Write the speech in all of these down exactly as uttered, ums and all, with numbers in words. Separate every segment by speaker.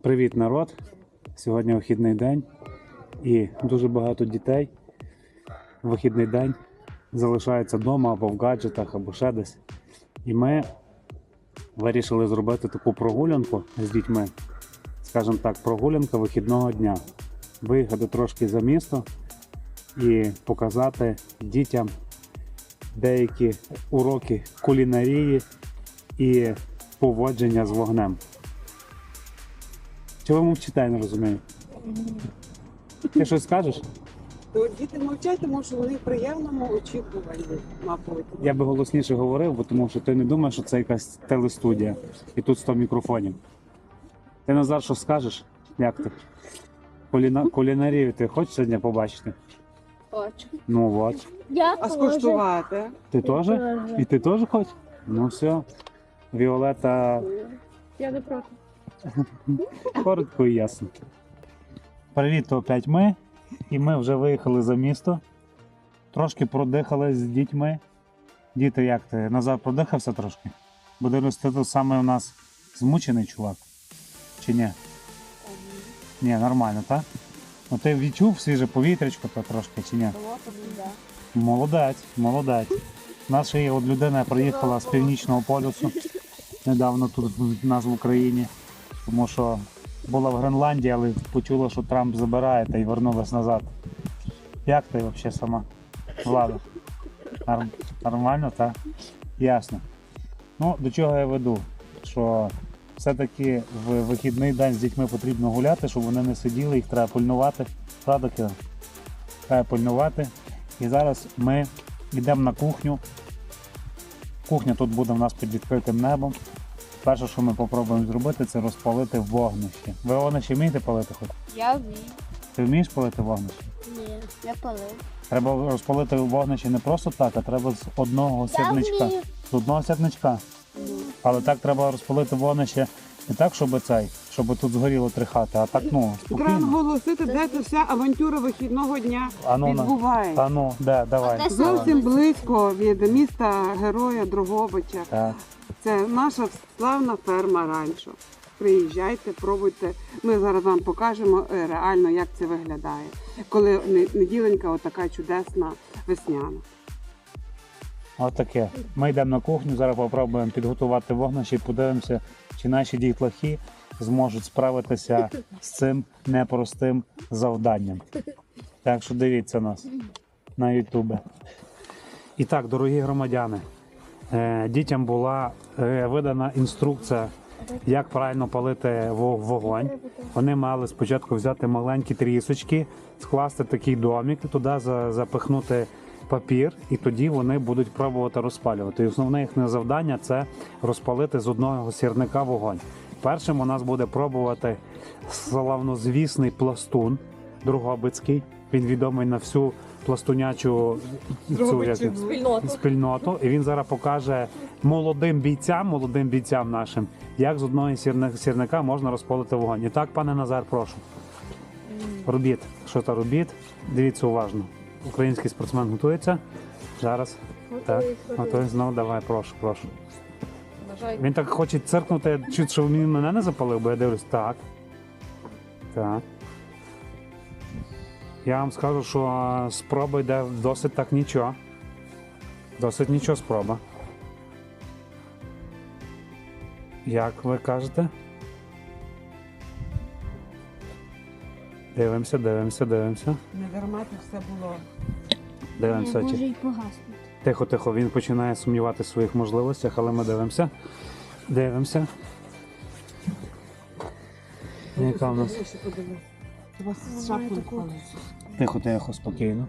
Speaker 1: Привіт, народ! Сьогодні вихідний день і дуже багато дітей в вихідний день залишаються вдома або в гаджетах, або ще десь. І ми вирішили зробити таку прогулянку з дітьми, скажімо так, прогулянка вихідного дня. Виїхати трошки за місто і показати дітям деякі уроки кулінарії і поводження з вогнем. Чого ви мовчите, я не розумію? Ти щось скажеш?
Speaker 2: То діти мовчать, тому що вони в приємному очікуванні, мабуть.
Speaker 1: Я би голосніше говорив, бо тому що ти не думаєш, що це якась телестудія і тут сто мікрофонів. Ти, Назар, що скажеш? Як ти? Куліна... Кулінарію ти хочеш сьогодні побачити?
Speaker 3: Хочу.
Speaker 1: Ну от.
Speaker 3: Я
Speaker 2: А скуштувати?
Speaker 1: Ти теж? І ти теж хочеш? Ну все. Віолета
Speaker 3: Я не проти.
Speaker 1: коротко і ясно. Привіт, то опять ми. І ми вже виїхали за місто. Трошки продихали з дітьми. Діти, як ти? Назар продихався трошки? Бо дивлюсь, ти тут саме у нас змучений чувак. Чи ні? Ні, нормально, так? Ну ти відчув свіже повітрячко то трошки, чи ні? Молодець, молодець. Наша є от людина приїхала з Північного полюсу. Недавно тут в нас в Україні. Тому що була в Гренландії, але почула, що Трамп забирає та й вернулась назад. Як ти взагалі сама, Влада? Норм... Нормально, так? Ясно. Ну, до чого я веду? Що все-таки в вихідний день з дітьми потрібно гуляти, щоб вони не сиділи, їх треба пильнувати. Правда, Кира? Треба пильнувати. І зараз ми йдемо на кухню. Кухня тут буде в нас під відкритим небом. Перше, що ми спробуємо зробити, це розпалити вогнище. Ви вогнище вмієте палити хоч?
Speaker 3: Я вмію.
Speaker 1: Ти вмієш палити вогнище?
Speaker 3: Ні, я палив.
Speaker 1: Треба розпалити вогнище не просто так, а треба з одного сірничка.
Speaker 3: вмію.
Speaker 1: З одного сірничка. Але так треба розпалити вогнище не так, щоб цей, щоб тут згоріло три хати, а так, ну,
Speaker 2: Треба
Speaker 1: спокійно.
Speaker 2: наголосити, де ця вся авантюра вихідного дня
Speaker 1: А ну, на-
Speaker 2: відбувається.
Speaker 1: А ну, де, давай.
Speaker 3: Де
Speaker 2: Зовсім близько від міста Героя Дрогобича.
Speaker 1: Так.
Speaker 2: Це наша славна ферма Ранчо. Приїжджайте, пробуйте. Ми зараз вам покажемо е, реально, як це виглядає. Коли не- неділенька отака чудесна весняна.
Speaker 1: Отаке. Ми йдемо на кухню, зараз спробуємо підготувати вогнище і подивимося, чи наші дітлахи зможуть справитися з цим непростим завданням. Так що дивіться нас на Ютубі. І так, дорогі громадяни, е, дітям була е, видана інструкція, як правильно палити во- вогонь. Вони мали спочатку взяти маленькі трісочки, скласти такий домик, туди за- запихнути папір, і тоді вони будуть пробувати розпалювати. І основне їхнє завдання – це розпалити з одного сірника вогонь. Першим у нас буде пробувати славнозвісний пластун Дрогобицький. Він відомий на всю пластунячу цю, як,
Speaker 3: Спільноту.
Speaker 1: спільноту. І він зараз покаже молодим бійцям, молодим бійцям нашим, як з одного сірни- сірника можна розпалити вогонь. І так, пане Назар, прошу. Робіть, що то робіть. Дивіться уважно. Український спортсмен готується. Зараз. Так, готує знову. Давай, прошу, прошу. Він так хоче циркнути, чуть, що він мене не запалив, бо я дивлюсь. Так. Так. Я вам скажу, що а, спроба йде досить так нічого. Досить нічого спроба. Як ви кажете? Дивимося, дивимося, дивимося.
Speaker 2: Не дарма це все було.
Speaker 1: Дивимося.
Speaker 3: Може
Speaker 1: чи-
Speaker 3: й погаснути.
Speaker 1: Тихо, тихо, він починає сумнівати в своїх можливостях, але ми дивимося. Дивимося. Яка в нас?
Speaker 2: Ще подивись. У вас з шапкою впали.
Speaker 1: Тихо, тихо, спокійно.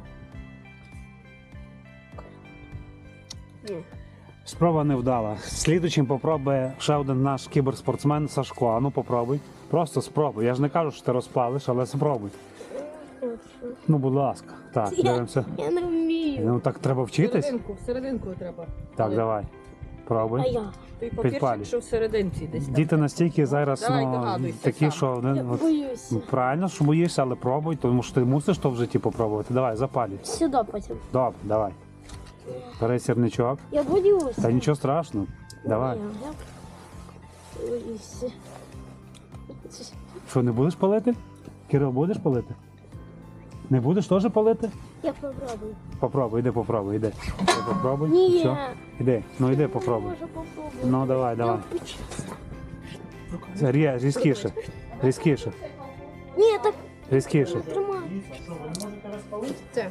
Speaker 1: Спроба не вдала. Слідуючим попробує ще один наш кіберспортсмен Сашко. А ну попробуй. Просто спробуй. Я ж не кажу, що ти розпалиш, але спробуй. Ну, будь ласка. Так, дивимося.
Speaker 3: Я не вмію.
Speaker 1: Ну так треба вчитись.
Speaker 4: Серединку, серединку треба.
Speaker 1: Так, давай.
Speaker 3: А
Speaker 1: Пробуй.
Speaker 3: я?
Speaker 4: Той
Speaker 1: Підпалюй.
Speaker 4: папірчик, що в серединці десь там.
Speaker 1: Діти настільки зараз
Speaker 4: Давай,
Speaker 1: ну,
Speaker 4: догадуйся
Speaker 1: такі,
Speaker 4: сам.
Speaker 1: що вони,
Speaker 3: Я
Speaker 1: от,
Speaker 3: боюся.
Speaker 1: ну, правильно, що боїшся, але пробуй, тому що ти мусиш то в житті попробувати. Давай, запалюй.
Speaker 3: Сюди потім.
Speaker 1: Добре, давай. Бери сірничок.
Speaker 3: Я боюся.
Speaker 1: Та нічого страшного. Давай.
Speaker 3: Я боюся.
Speaker 1: Що, не будеш палити? Кирил, будеш палити? Не будеш теж палити?
Speaker 3: Я попробую.
Speaker 1: Попробуй, іди попробуй, іди. Іди попробуй.
Speaker 3: Ні.
Speaker 1: Все, іди, ну іди попробуй.
Speaker 3: Може попробую.
Speaker 1: Ну давай, давай. Це рє- різкіше. Різкіше.
Speaker 3: Ні, так
Speaker 1: Різкіше.
Speaker 3: тримай.
Speaker 4: Це.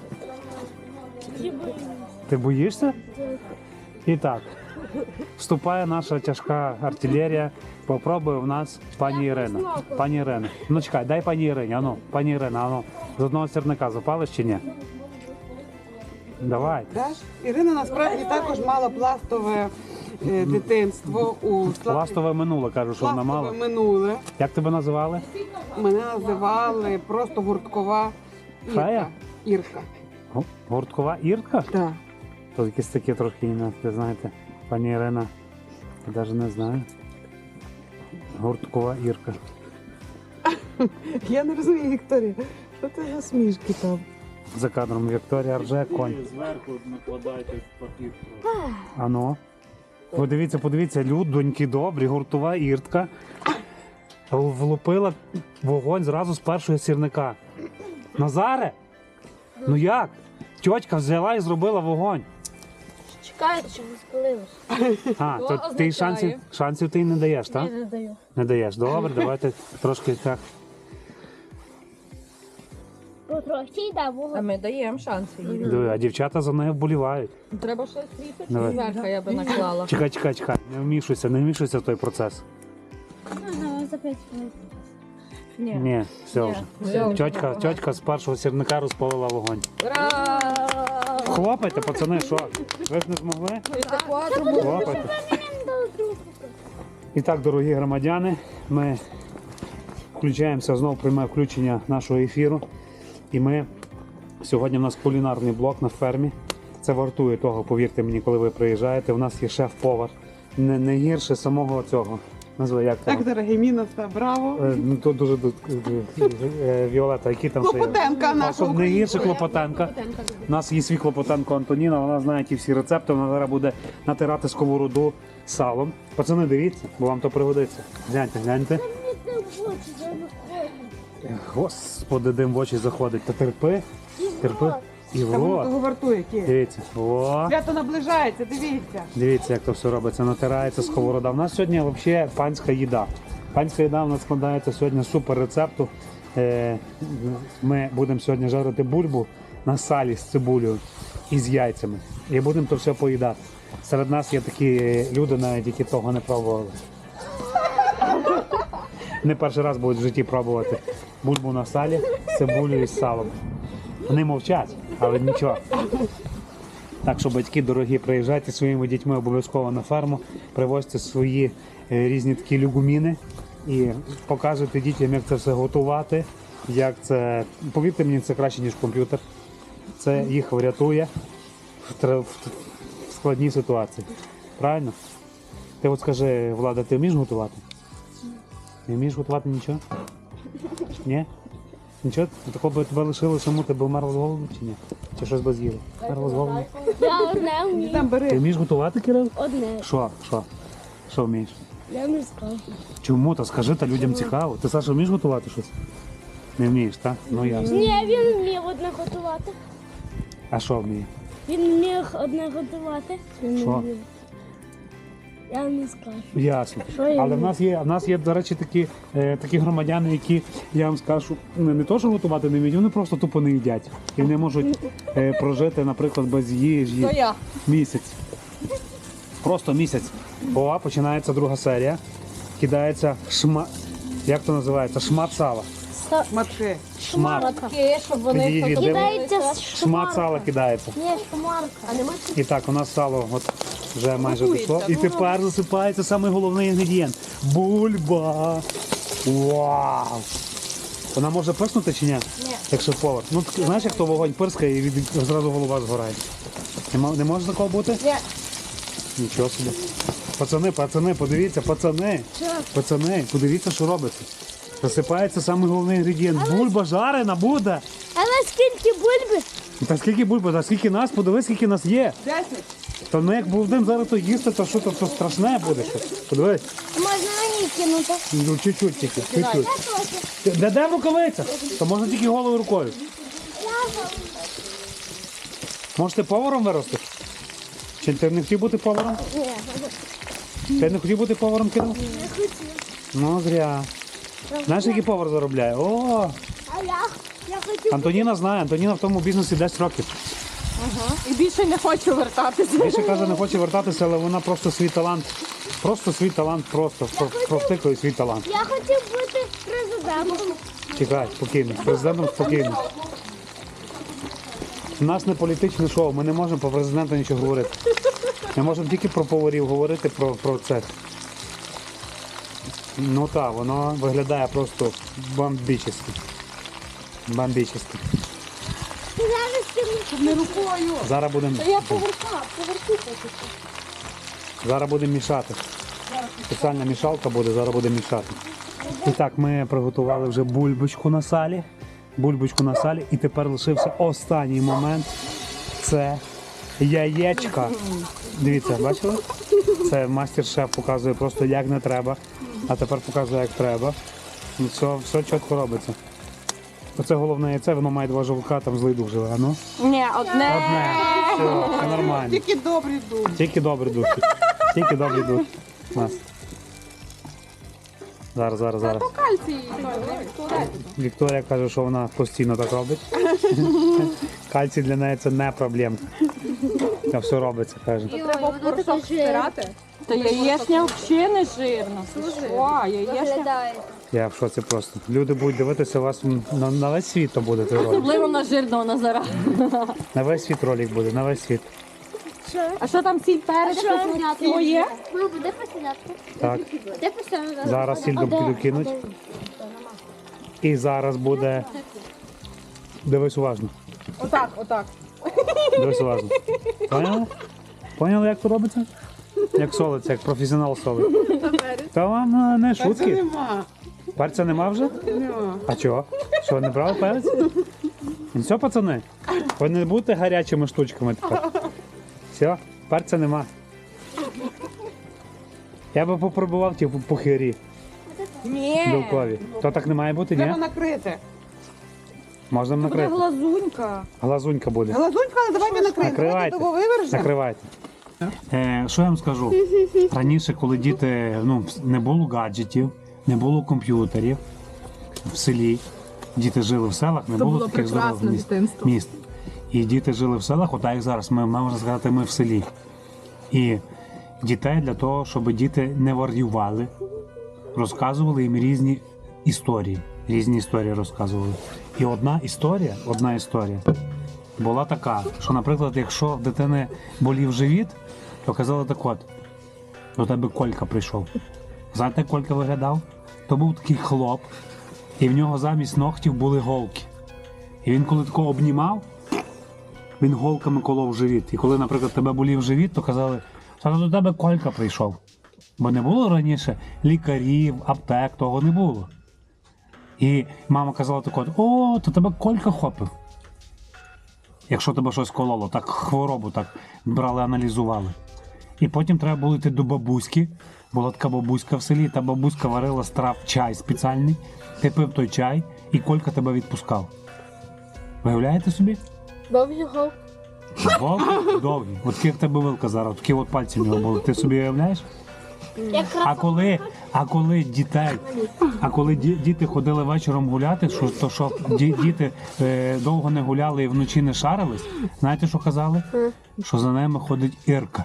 Speaker 1: Ти боїшся? І так. Вступає наша тяжка артилерія. Попробує в нас пані Ірина. Пані Ірина. Ну чекай, дай пані Ірині, ану, пані Ірина, ану. З одного сірника запалиш чи ні? Давай.
Speaker 2: Даш? Ірина насправді також мала пластове е, дитинство у Славі-
Speaker 1: Пластове минуле, кажу, що вона
Speaker 2: пластове
Speaker 1: мала.
Speaker 2: минуле.
Speaker 1: Як тебе називали?
Speaker 2: Мене називали просто гурткова Ірка.
Speaker 1: Фея?
Speaker 2: Ірка.
Speaker 1: Гу- Гурткова Ірка?
Speaker 2: Так.
Speaker 1: То якісь такі трохи, ну, ви знаєте, пані Ірина, я навіть не знаю. Гурткова Ірка.
Speaker 2: Я не розумію, Вікторія, що це за смішки там?
Speaker 1: За кадром Вікторія рже, конь.
Speaker 5: Зверху накладайте папір.
Speaker 1: А ну. Подивіться, подивіться, людоньки добрі, гуртова Іртка. Влупила вогонь зразу з першого сірника. Назаре? Ну як? Тьотька взяла і зробила вогонь.
Speaker 3: Чекайте, щоб не спалилось.
Speaker 1: А,
Speaker 4: Що
Speaker 1: то ти
Speaker 4: означає?
Speaker 1: шансів, шансів ти не даєш, так?
Speaker 3: Я не даю.
Speaker 1: Не даєш. Добре, давайте трошки так.
Speaker 3: Потрохи, да,
Speaker 4: А
Speaker 3: вогонь.
Speaker 4: ми даємо шанси їй.
Speaker 1: Диви, а дівчата за нею вболівають.
Speaker 4: Треба щось ліпити,
Speaker 1: Давай.
Speaker 4: зверху я би наклала.
Speaker 1: Чекай, чекай, чекай, не вмішуйся, не вмішуйся в той процес.
Speaker 3: Ага, за п'ять хвилин.
Speaker 4: Ні.
Speaker 1: Ні, все
Speaker 4: Ні.
Speaker 1: вже.
Speaker 4: Все.
Speaker 1: Тьотька, тьотька з першого сірника розпалила вогонь.
Speaker 4: Ура!
Speaker 1: Хлопайте, пацани, що? Ви ж не змогли? Хлопайте. І так, дорогі громадяни, ми включаємося, знову прийме включення нашого ефіру. І ми сьогодні в нас кулінарний блок на фермі. Це вартує того, повірте мені, коли ви приїжджаєте. У нас є шеф-повар. Не, не гірше самого цього. Назви як там?
Speaker 2: Так, дорогі міна, все, браво.
Speaker 1: Е, Ну, то дуже ду- е, Віолета, які там ще є?
Speaker 2: Клопотенка
Speaker 1: А,
Speaker 2: наша
Speaker 1: щоб не гірше Клопотенка. У нас є свій Клопотенко Антоніна, вона знає ті всі рецепти, вона зараз буде натирати сковороду салом. Пацани, дивіться, бо вам то пригодиться. Гляньте, гляньте. Господи, дим в очі заходить. Та терпи, терпи. І в
Speaker 2: Та воно
Speaker 1: рот.
Speaker 2: того вартує, Кір.
Speaker 1: Дивіться. О,
Speaker 2: Свято наближається, дивіться.
Speaker 1: дивіться, як то все робиться. Натирається сковорода. У нас сьогодні взагалі панська їда. Панська їда у нас складається сьогодні з супер рецепту. Е, Ми будемо сьогодні жарити бульбу на салі з цибулею і з яйцями. І будемо то все поїдати. Серед нас є такі люди, навіть які того не пробували. Не перший раз будуть в житті пробувати бульбу на салі з цибулею і з салом. Вони мовчать, але нічого. Так що, батьки дорогі, приїжджайте зі своїми дітьми обов'язково на ферму, привозьте свої е, різні такі люгуміни і покажете дітям, як це все готувати, як це, повірте мені, це краще, ніж комп'ютер. Це їх врятує в, тр- в в складній ситуації. Правильно? Ти от скажи, Влада, ти вмієш готувати? Не вмієш готувати нічого? Ні? Нічого? Такого би тебе лишили саму, ти б вмерла з голоду чи ні? Чи щось би з'їла? Вмерла з голоду?
Speaker 3: Я одне вмію.
Speaker 2: Там
Speaker 1: Ти
Speaker 2: бери.
Speaker 1: вмієш готувати, Кирил?
Speaker 3: Одне.
Speaker 1: Що? Що? Що вмієш?
Speaker 3: Я не скажу.
Speaker 1: Чому? Та скажи, та людям цікаво. Ти, Саша, вмієш готувати щось? Не вмієш, так? Ну ясно.
Speaker 3: Ні, він вмів одне готувати.
Speaker 1: А що вміє?
Speaker 3: Він міг одне готувати. Він не
Speaker 1: Що?
Speaker 3: вмів. Я не скажу.
Speaker 1: Ясно.
Speaker 3: Що я
Speaker 1: Але в
Speaker 3: вмію?
Speaker 1: нас є, в нас є, до речі, такі, е, такі громадяни, які, я вам скажу, не, не то, що готувати не вміють, вони просто тупо не їдять. І вони можуть е, прожити, наприклад, без їжі
Speaker 4: То я.
Speaker 1: місяць. Просто місяць. О, починається друга серія. Кидається шма... Як то називається? Шмат сала.
Speaker 2: Матки.
Speaker 1: Шмат.
Speaker 4: Таке, щоб вони
Speaker 1: Підійди, диви.
Speaker 3: Кидається
Speaker 1: Шмат сала кидається.
Speaker 3: Ні, шмарка. А нема
Speaker 1: І так, у нас сало от вже майже
Speaker 4: Готується.
Speaker 1: дійшло. І тепер засипається самий головний інгредієнт. Бульба. Вау! Вона може писнути чи ні?
Speaker 3: Ні.
Speaker 1: Якщо повар. Ну, так, знаєш, як то вогонь пирскає і від... зразу голова згорає. Не, мо- не може такого бути?
Speaker 3: Ні.
Speaker 1: Нічого собі. Пацани, пацани, подивіться, пацани. Пацани, подивіться, що робиться. Засипається самий головний інгредієнт. Бульба жарена буде.
Speaker 3: Але скільки бульби?
Speaker 1: Та скільки бульба, та скільки нас, подивись, скільки нас є.
Speaker 2: Десять.
Speaker 1: Та ну як будемо зараз то їсти, то що то, то страшне буде. Що? Подивись,
Speaker 3: Можна мені кинути.
Speaker 1: ну чуть-чуть тільки, чуть-чуть. Де де рукавиця? То можна тільки голою рукою. Може ти поваром виростеш? Чи ти не хотів бути поваром?
Speaker 3: Ні,
Speaker 1: Ти не хотів бути поваром, Кирил?
Speaker 3: не хотів.
Speaker 1: Ну, зря. Знаєш, який повар заробляє? О,
Speaker 3: А я, я хотів.
Speaker 1: Антоніна знає, Антоніна в тому бізнесі десять років.
Speaker 4: І більше не хочу вертатися.
Speaker 1: Більше каже, не хоче вертатися, але вона просто свій талант, просто свій талант, просто про- провтикує свій талант.
Speaker 3: Я хотів бути президентом.
Speaker 1: Чекай, спокійно, президентом спокійно. У нас не політичне шоу, ми не можемо про президента нічого говорити. Ми можемо тільки про поварів говорити, про, про це. Ну так, воно виглядає просто бомбічно. Бомбічно.
Speaker 3: Ти зараз кинути.
Speaker 4: Не рукою.
Speaker 1: Зараз будемо
Speaker 4: Та я поверха, поверху поки що.
Speaker 1: зараз будемо мішати. Спеціальна мішалка буде, зараз будемо мішати. І так, ми приготували вже бульбочку на салі. Бульбочку на салі. І тепер лишився останній момент. Це яєчка. Дивіться, бачили? Це мастер-шеф показує просто як не треба. А тепер показує як треба. Ну, все, все чітко робиться. Оце головне яйце, воно має два жовтка, там злий дух живе. А ну?
Speaker 4: Ні, одне.
Speaker 1: Одне. Все, все нормально.
Speaker 2: Тільки добрі дух.
Speaker 1: Тільки добрі душі. Тільки добрі душі. Нас. Зараз, зараз, зараз.
Speaker 4: Кальцій.
Speaker 1: Вікторія каже, що вона постійно так робить. Кальцій для неї це не проблема. Та все робиться, каже.
Speaker 4: Треба в порошок стирати. Та яєчня взагалі не жирна. О, яєчня.
Speaker 3: Виглядає.
Speaker 1: Я в шоці просто. Люди будуть дивитися вас на, на весь світ, то буде той ролик.
Speaker 4: Особливо на жирного Назара.
Speaker 1: На весь світ ролик буде, на весь світ.
Speaker 4: А що там сіль перець? Моє?
Speaker 3: Мама, де посидятку?
Speaker 1: Так.
Speaker 3: Де посидятку?
Speaker 1: Зараз сіль піду кинуть. І зараз буде. Дивись уважно.
Speaker 4: Отак, отак.
Speaker 1: Дивись уважно. Поняли? Поняли, як це робиться? Як солиться, як професіонал солить. Та вам е, не
Speaker 2: Це
Speaker 1: шутки.
Speaker 2: нема.
Speaker 1: Перця нема вже?
Speaker 2: Нема.
Speaker 1: А чого? Що, не брали перець? Ну все, пацани, ви не будете гарячими штучками тепер. Все, перця нема. Я би попробував ті пухирі
Speaker 4: Ні.
Speaker 1: білкові. То так не має бути,
Speaker 2: Треба
Speaker 1: ні?
Speaker 2: накрити.
Speaker 1: Можна
Speaker 4: Буде
Speaker 1: накрити.
Speaker 4: глазунька.
Speaker 1: Глазунька буде.
Speaker 2: Глазунька, але давайте накрити.
Speaker 1: Накривайте.
Speaker 2: Давайте того вивержемо.
Speaker 1: Накривайте. Е, що я вам скажу? Раніше, коли діти, ну, не було гаджетів, не було комп'ютерів в селі, діти жили в селах, не
Speaker 4: Це
Speaker 1: було
Speaker 4: було
Speaker 1: таких здорових
Speaker 4: прекрасне
Speaker 1: міст.
Speaker 4: дитинство.
Speaker 1: міст. І діти жили в селах, отак як зараз, ми можна сказати, ми в селі. І дітей для того, щоб діти не варювали, розказували їм різні історії. Різні історії розказували. І одна історія, одна історія була така, що, наприклад, якщо в дитини болів живіт, то казали так от, до тебе Колька прийшов. Знаєте, як Колька виглядав? То був такий хлоп, і в нього замість ногтів були голки. І він коли такого обнімав, він голками колов живіт. І коли, наприклад, тебе болів живіт, то казали, що до тебе Колька прийшов. Бо не було раніше лікарів, аптек, того не було. І мама казала так от, о, то тебе Колька хопив. Якщо тебе щось кололо, так хворобу так брали, аналізували. І потім треба було йти до бабуськи. Була така бабуська в селі, та бабуська варила з трав чай спеціальний. Ти пив той чай, і Колька тебе відпускав. Виявляєте собі?
Speaker 3: Довгі гол.
Speaker 1: Довгі, довгі. От такі як тебе вилка зараз, такі от пальці в нього були. Ти собі уявляєш?
Speaker 3: Якраз
Speaker 1: А коли, а коли дітей, а коли ді- діти ходили вечором гуляти, що, то що ді- діти е, довго не гуляли і вночі не шарились, знаєте, що казали? Що за ними ходить Ірка.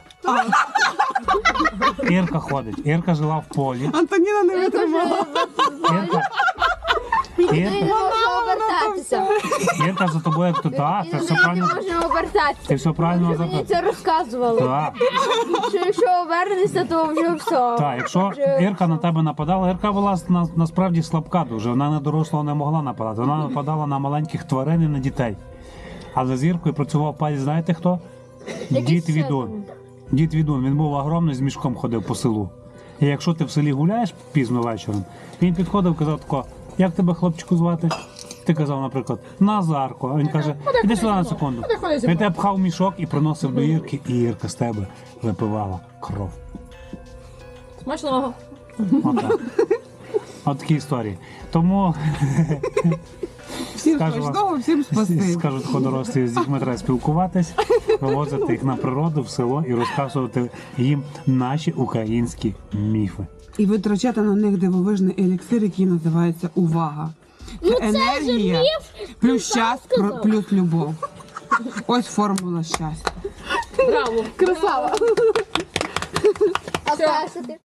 Speaker 1: Ірка ходить. Ірка жила в полі.
Speaker 2: Антоніна не витримала.
Speaker 1: Ірка, Ірка,
Speaker 3: можна обертатися.
Speaker 1: Ірка за тобою як то та, це все
Speaker 3: Не
Speaker 1: правильно.
Speaker 3: можна обертатися.
Speaker 1: Ти все правильно
Speaker 3: Мені
Speaker 1: запитав.
Speaker 3: це розказували.
Speaker 1: Так,
Speaker 3: Що якщо обернешся, то вже все.
Speaker 1: так, якщо Ірка на тебе нападала, Ірка була на, насправді слабка дуже. Вона на дорослого не могла нападати. Вона нападала на маленьких тварин і на дітей. Але з Іркою працював палець, знаєте хто? Дід Відун. Дід Відун, він був огромний, з мішком ходив по селу. І якщо ти в селі гуляєш пізно вечором, він підходив і казав тако, як тебе, хлопчику, звати? Ти казав, наприклад, Назарко, а він каже, іди сюди на секунду. Він тебе пхав в мішок і приносив до Ірки, і Ірка з тебе випивала кров.
Speaker 4: Смачного.
Speaker 1: Отак. От такі історії. Тому
Speaker 2: Всім
Speaker 1: Скажу вам.
Speaker 2: смачного, всім спасибі.
Speaker 1: скажуть ходорослі, з дітьми треба спілкуватись, вивозити їх на природу, в село і розказувати їм наші українські міфи.
Speaker 2: І витрачати на них дивовижний еліксир, який називається увага. Це енергія плюс щас, про- плюс любов. Ось формула щастя.
Speaker 4: Браво.
Speaker 2: Красава!
Speaker 3: А перше ти?